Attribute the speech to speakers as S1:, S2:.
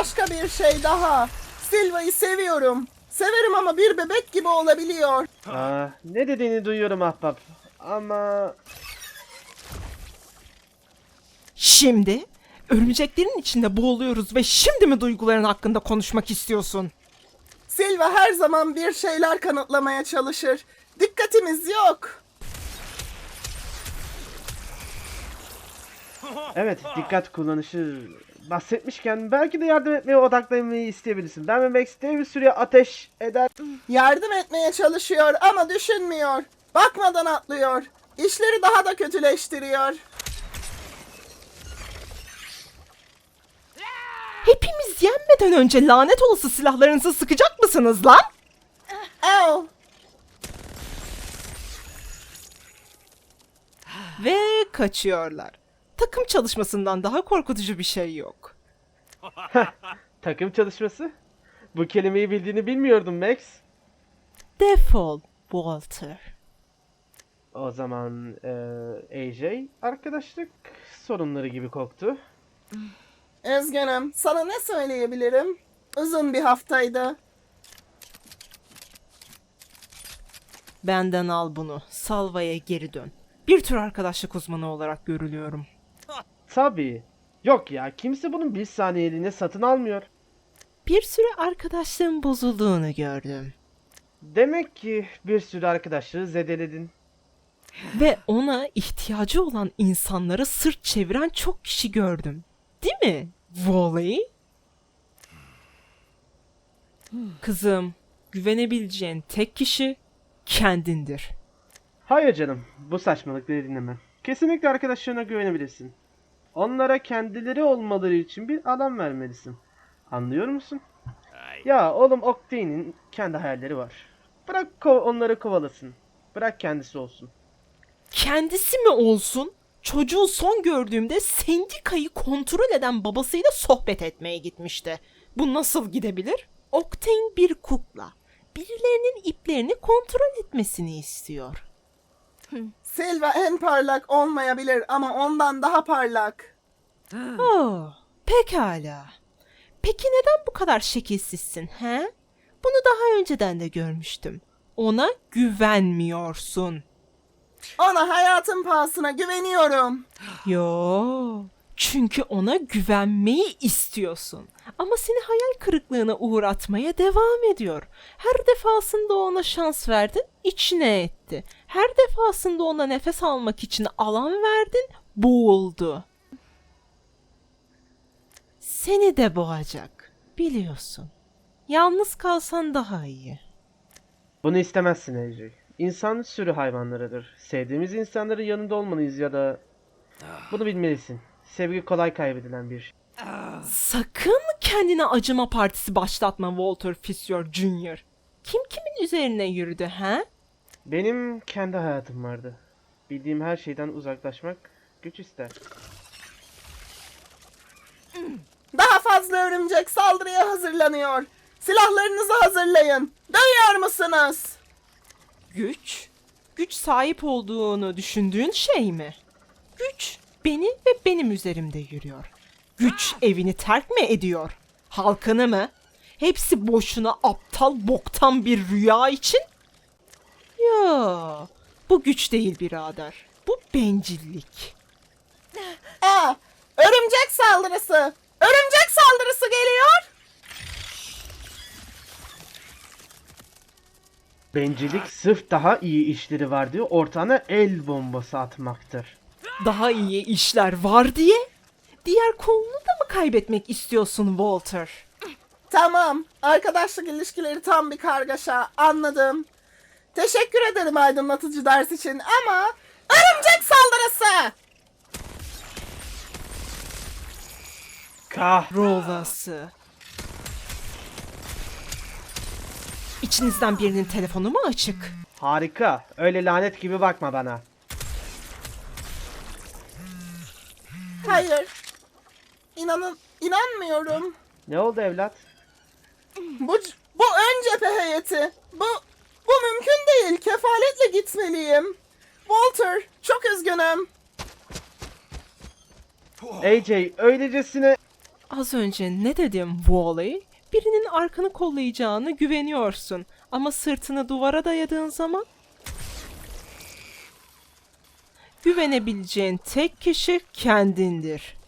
S1: başka bir şey daha. Silva'yı seviyorum. Severim ama bir bebek gibi olabiliyor.
S2: Ne dediğini duyuyorum ahbap. Ama...
S3: Şimdi örümceklerin içinde boğuluyoruz ve şimdi mi duyguların hakkında konuşmak istiyorsun?
S1: Silva her zaman bir şeyler kanıtlamaya çalışır. Dikkatimiz yok.
S2: Evet, dikkat kullanışı bahsetmişken belki de yardım etmeye odaklanmayı isteyebilirsin. Ben ve Max bir süre ateş eder.
S1: Yardım etmeye çalışıyor ama düşünmüyor. Bakmadan atlıyor. İşleri daha da kötüleştiriyor.
S3: Hepimiz yenmeden önce lanet olası silahlarınızı sıkacak mısınız lan?
S1: Ew.
S3: Ve kaçıyorlar. Takım çalışmasından daha korkutucu bir şey yok.
S2: Takım çalışması? Bu kelimeyi bildiğini bilmiyordum Max.
S3: Defol, Walter.
S2: O zaman AJ arkadaşlık sorunları gibi koktu.
S1: Üzgünüm. Sana ne söyleyebilirim? Uzun bir haftaydı.
S3: Benden al bunu. Salva'ya geri dön. Bir tür arkadaşlık uzmanı olarak görülüyorum.
S2: Tabii. Yok ya, kimse bunun bir saniyeliğine satın almıyor.
S3: Bir süre arkadaşlığın bozulduğunu gördüm.
S2: Demek ki bir sürü arkadaşlığı zedeledin.
S3: Ve ona ihtiyacı olan insanlara sırt çeviren çok kişi gördüm. Değil mi, Wally? Kızım, güvenebileceğin tek kişi kendindir.
S2: Hayır canım, bu saçmalıkları dinlemem. Kesinlikle arkadaşlarına güvenebilirsin. Onlara kendileri olmaları için bir alan vermelisin. Anlıyor musun? Ya oğlum, Octane'in kendi hayalleri var. Bırak onları kovalasın. Bırak kendisi olsun.
S3: Kendisi mi olsun? Çocuğu son gördüğümde sendikayı kontrol eden babasıyla sohbet etmeye gitmişti. Bu nasıl gidebilir? Octane bir kukla. Birilerinin iplerini kontrol etmesini istiyor.
S1: Silva en parlak olmayabilir ama ondan daha parlak.
S3: Oh, pekala. Peki neden bu kadar şekilsizsin, he? Bunu daha önceden de görmüştüm. Ona güvenmiyorsun.
S1: Ona hayatın pahasına güveniyorum.
S3: Yo, çünkü ona güvenmeyi istiyorsun. Ama seni hayal kırıklığına uğratmaya devam ediyor. Her defasında ona şans verdin, içine etti. Her defasında ona nefes almak için alan verdin, boğuldu. Seni de boğacak, biliyorsun. Yalnız kalsan daha iyi.
S2: Bunu istemezsin AJ. İnsan sürü hayvanlarıdır. Sevdiğimiz insanların yanında olmalıyız ya da... Bunu bilmelisin. Sevgi kolay kaybedilen bir şey.
S3: Sakın kendine acıma partisi başlatma Walter Fisher Jr. Kim kimin üzerine yürüdü, he?
S2: Benim kendi hayatım vardı. Bildiğim her şeyden uzaklaşmak güç ister.
S1: Daha fazla örümcek saldırıya hazırlanıyor. Silahlarınızı hazırlayın. Duyuyor musunuz?
S3: Güç? Güç sahip olduğunu düşündüğün şey mi? Güç beni ve benim üzerimde yürüyor. Güç evini terk mi ediyor? Halkını mı? Hepsi boşuna aptal boktan bir rüya için? Ya, bu güç değil birader. Bu bencillik.
S1: Örümcek saldırısı. Örümcek saldırısı geliyor.
S2: Bencillik sırf daha iyi işleri var diye ortağına el bombası atmaktır.
S3: Daha iyi işler var diye? Diğer kolunu da mı kaybetmek istiyorsun Walter?
S1: Tamam. Arkadaşlık ilişkileri tam bir kargaşa. Anladım. Teşekkür ederim aydınlatıcı ders için ama örümcek saldırısı.
S3: Kahrolası. İçinizden birinin telefonu mu açık?
S2: Harika. Öyle lanet gibi bakma bana.
S1: Hayır. İnanmıyorum.
S2: Ne oldu evlat?
S1: Bu ön cephe heyeti. Bu mümkün değil. Kefaletle gitmeliyim. Walter, çok üzgünüm.
S2: AJ öylesine...
S3: Az önce ne dedim Wally? Birinin arkanı kollayacağını güveniyorsun. Ama sırtını duvara dayadığın zaman güvenebileceğin tek kişi kendindir.